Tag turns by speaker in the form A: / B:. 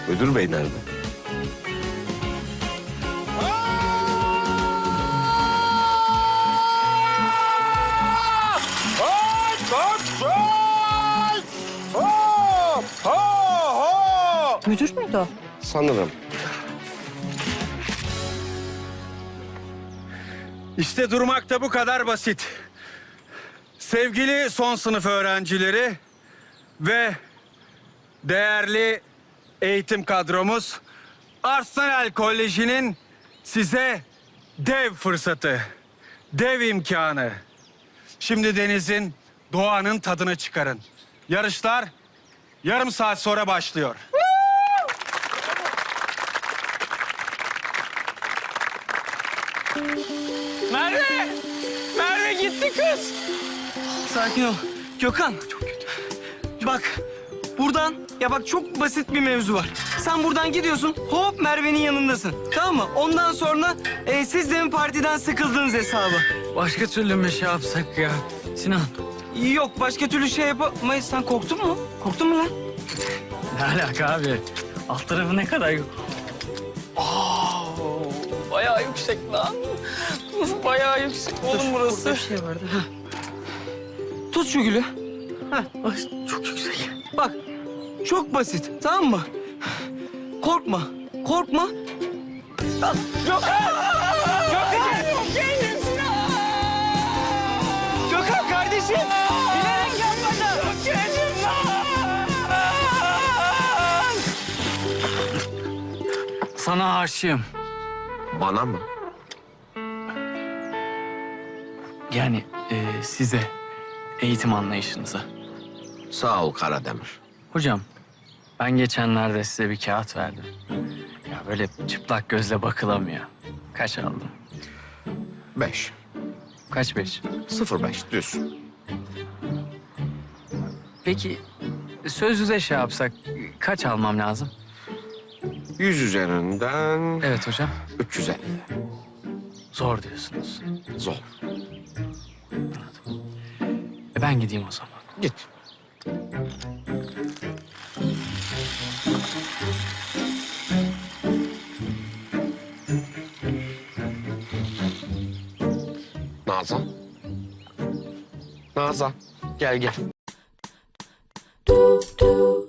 A: Müdür bey nerede?
B: Müdür müydü o?
A: Sanırım.
C: İşte durmak da bu kadar basit. Sevgili son sınıf öğrencileri ve değerli eğitim kadromuz, Arsenal Koleji'nin size dev fırsatı, dev imkanı. Şimdi denizin, doğanın tadını çıkarın. Yarışlar yarım saat sonra başlıyor.
D: Merve! Merve gitti kız. Sakin ol. Gökhan. Çok kötü. Bak buradan ya bak çok basit bir mevzu var. Sen buradan gidiyorsun hop Merve'nin yanındasın. Tamam mı? Ondan sonra siz de mi partiden sıkıldınız hesabı.
E: Başka türlü mü şey yapsak ya? Sinan.
D: Yok başka türlü şey yapamayız. Sen korktun mu? Korktun mu lan?
E: Ne alaka abi? Alt tarafı ne kadar...
D: Bayağı yüksek lan. Bayağı yüksek oğlum burası.
B: Burada bir şey vardı.
D: Tut şu gülü. Heh, ay, çok yüksek. Bak, çok basit, tamam mı? Korkma, korkma. Al. Gökhan! Gökhan! Gökhan kardeşim! Bilerek yapmadım.
E: Sana aşığım.
A: Bana mı?
E: Yani size, eğitim anlayışınıza.
A: Sağ ol Karademir.
E: Hocam, ben geçenlerde size bir kağıt verdim. Ya böyle çıplak gözle bakılamıyor. Kaç aldın?
A: 5.
E: Kaç 5?
A: 0,5 düz.
E: Peki sözlüde şey yapsak kaç almam lazım?
A: 100 üzerinden
E: Evet hocam.
A: 350.
E: Zor diyorsunuz.
A: Zor.
E: Ben gideyim o zaman.
A: Git. Nazan. Nazan. Gel gel.
B: Du, du.